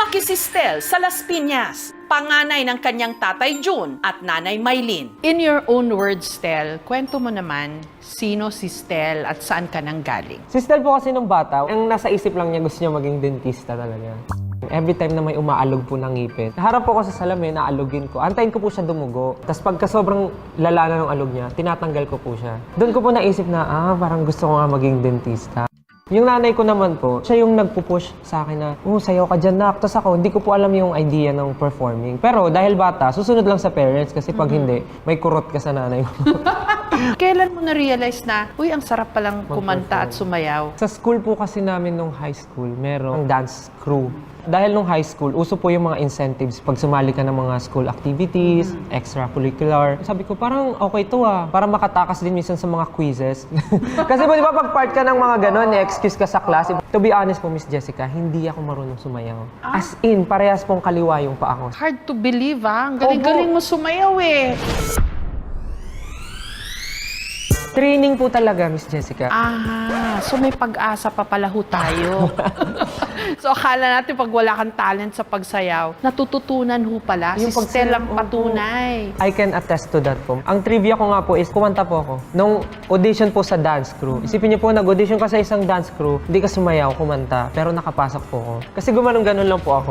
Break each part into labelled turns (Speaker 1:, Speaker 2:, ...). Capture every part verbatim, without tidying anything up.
Speaker 1: Lumaki si Stel sa Las Piñas, panganay ng kanyang tatay June at nanay Maylin. In your own words, Stel, kwento mo naman, sino si Stel at saan ka nang galing?
Speaker 2: Si Stel po kasi nung bata, ang nasa isip lang niya gusto niya maging dentista talaga. Every time na may umaalog po ng ngipin, harap po ko sa salamin, naalugin ko. Antayin ko po siya dumugo. Tapos pagka sobrang lala na ng alog niya, tinatanggal ko po siya. Doon ko po naisip na, ah, parang gusto ko nga maging dentista. Yung nanay ko naman po, siya yung nagpupush sa akin na, oh, sayaw ka dyan, nak. Tapos ako, hindi ko po alam yung idea ng performing. Pero dahil bata, susunod lang sa parents kasi pag mm-hmm. hindi, may kurot ka sa nanay mo.
Speaker 1: Kailan mo na-realize na, uy, ang sarap palang kumanta at sumayaw?
Speaker 2: Sa school po kasi namin nung high school, merong dance crew. Dahil nung high school, uso po yung mga incentives pag sumali ka ng mga school activities, mm-hmm. extracurricular. Sabi ko, parang okay to ah. Para makatakas din minsan sa mga quizzes. Kasi di ba pag part ka ng mga ganon, excuse ka sa class. To be honest po, Miss Jessica, hindi ako marunong sumayaw.
Speaker 1: Ah?
Speaker 2: As in, parehas pong kaliwa yung pa ako.
Speaker 1: Hard to believe ah. Ang galing-galing mo sumayaw eh.
Speaker 2: Training po talaga, Miss Jessica.
Speaker 1: Ah, so may pag-asa pa pala ho tayo. So akala natin pag wala kang talent sa pagsayaw, natututunan ho pala. Si Stel ang patunay.
Speaker 2: I can attest to that po. Ang trivia ko nga po is, kumanta po ako. Nung audition po sa dance crew. Isipin niyo po, nag-audition ka sa isang dance crew, hindi ka sumayaw, kumanta, pero nakapasok po ako. Kasi gumanong-ganon lang po ako.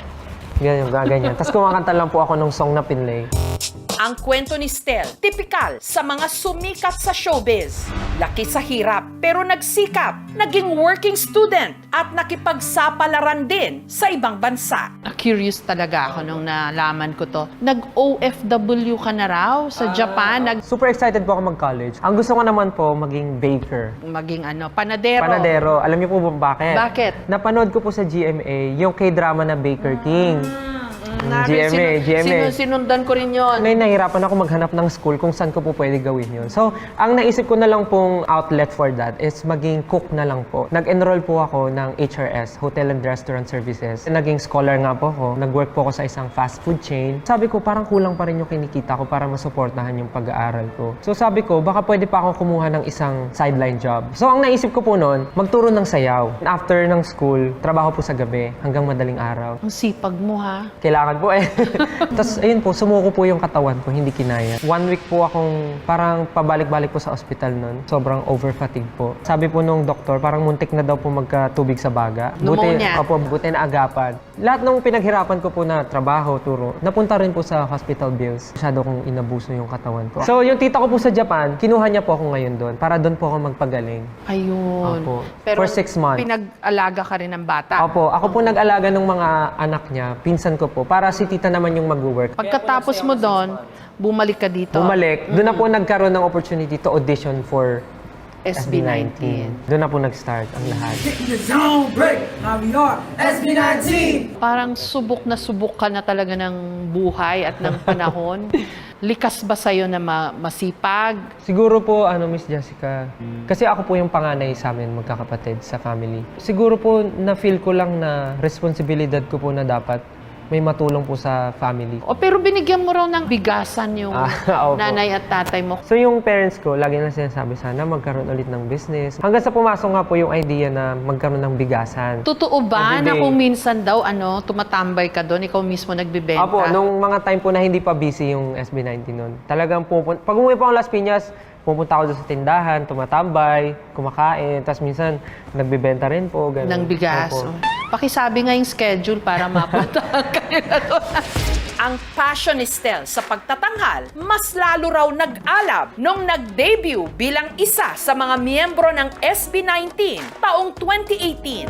Speaker 2: Ganyan, ganyan. Tapos kumakanta lang po ako ng song na pinlay.
Speaker 1: Ang kwento ni Stel, tipikal sa mga sumikat sa showbiz. Laki sa hirap, pero nagsikap, naging working student, at nakipagsapalaran din sa ibang bansa. Curious talaga ako nung nalaman ko to. Nag-O F W ka na raw sa Japan. Nag
Speaker 2: Super excited po ako mag-college. Ang gusto ko naman po, maging baker.
Speaker 1: maging ano, panadero.
Speaker 2: Panadero. Alam niyo po ba bakit?
Speaker 1: Bakit?
Speaker 2: Napanood ko po sa G M A yung K-drama na Baker King.
Speaker 1: Nabi,
Speaker 2: G M A, G M A.
Speaker 1: Sinu- sinundan ko rin yun.
Speaker 2: May nahirapan ako maghanap ng school kung saan ko po pwede gawin yun. So, ang naisip ko na lang pong outlet for that is maging cook na lang po. Nag-enroll po ako ng H R S, Hotel and Restaurant Services. Naging scholar nga po ako. Nag-work po ako sa isang fast food chain. Sabi ko, parang kulang pa rin yung kinikita ko para masuportahan yung pag-aaral ko. So, sabi ko, baka pwede pa akong kumuha ng isang sideline job. So, ang naisip ko po noon, magturo ng sayaw. After ng school, trabaho po sa gabi hanggang madaling araw.
Speaker 1: Ang sipag mo ha.
Speaker 2: Kailangan po eh. Tapos ayun po, sumuko po yung katawan ko, hindi kinaya. One week po akong parang pabalik-balik po sa ospital nun. Sobrang over-fatigue po. Sabi po nung doktor, parang muntik na daw po magkatubig sa baga.
Speaker 1: Pneumonia.
Speaker 2: Buti, opo, buti na agapan. Lahat ng pinaghirapan ko po na trabaho, turo, napunta rin po sa hospital bills. Masyado kong inabuso yung katawan ko. So yung tita ko po sa Japan, kinuha niya po ako ngayon doon para doon po ako magpagaling.
Speaker 1: Ayun.
Speaker 2: Opo.
Speaker 1: Pero
Speaker 2: For six months.
Speaker 1: pinag-alaga ka rin ng bata.
Speaker 2: Opo, ako po nag-alaga ng mga anak niya, pinsan ko po, para si tita naman yung mag-work.
Speaker 1: Pagkatapos mo doon, bumalik ka dito.
Speaker 2: Bumalik, doon na po nagkaroon ng opportunity to audition for
Speaker 1: S B nineteen.
Speaker 2: Doon na po nag-start ang lahat.
Speaker 3: The zone break. Now we are S B nineteen.
Speaker 1: Parang subok na subok ka na talaga ng buhay at ng panahon. Likas ba sa'yo na ma- masipag?
Speaker 2: Siguro po, ano, Miss Jessica, kasi ako po yung panganay sa amin, magkakapatid sa family. Siguro po, na-feel ko lang na responsibilidad ko po na dapat may matulong po sa family.
Speaker 1: O pero binigyan mo raw ng bigasan yung
Speaker 2: Ah, opo.
Speaker 1: nanay at tatay mo.
Speaker 2: So yung parents ko, lagi na sinasabi, sana magkaroon ulit ng business. Hanggang sa pumasok nga po yung idea na magkaroon ng bigasan.
Speaker 1: Totoo ba na
Speaker 2: Everyday.
Speaker 1: kung minsan daw ano, tumatambay ka doon, ikaw mismo nagbibenta?
Speaker 2: Apo, nung mga time po na hindi pa busy yung S B nineteen noon, talagang pupunta. Pag umuwi po ako Las Piñas, pupunta ako doon sa tindahan, tumatambay, kumakain, tapos minsan nagbibenta rin po. Ganun.
Speaker 1: Ng bigas.
Speaker 2: Opo.
Speaker 1: Pakisabi nga yung schedule para mapunta kayo na doon. Ang passion ni Stel sa pagtatanghal, mas lalo raw nag-alab nung nag-debut bilang isa sa mga miyembro ng S B nineteen taong twenty eighteen.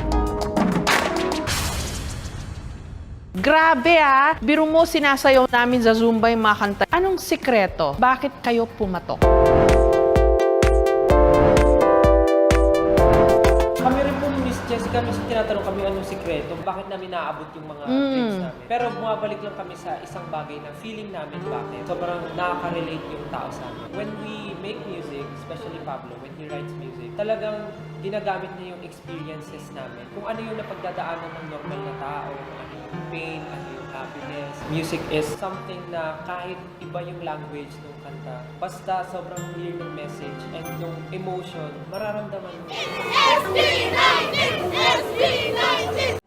Speaker 1: Grabe ah! Biro mo, sinasayaw namin sa Zumba yung mga kanta. Anong sikreto? Bakit kayo pumatok?
Speaker 2: Kami rin po, Miss Jessica, minsan tinatanong kami anong sikreto, bakit namin naaabot yung mga
Speaker 1: Mm.
Speaker 2: dreams namin. Pero bumabalik lang kami sa isang bagay na feeling namin bakit sobrang nakaka-relate yung tao sa amin. When we make music, especially Pablo, when he writes music, talagang ginagamit niya yung experiences namin. Kung ano yung napagdadaanan ng normal na tao, ano yung pain, ano yung happiness. Music is something na kahit iba yung language ng kanta, basta sobrang clear ng message and yung emotion, mararamdaman mo.
Speaker 4: S B nineteen! S B nineteen!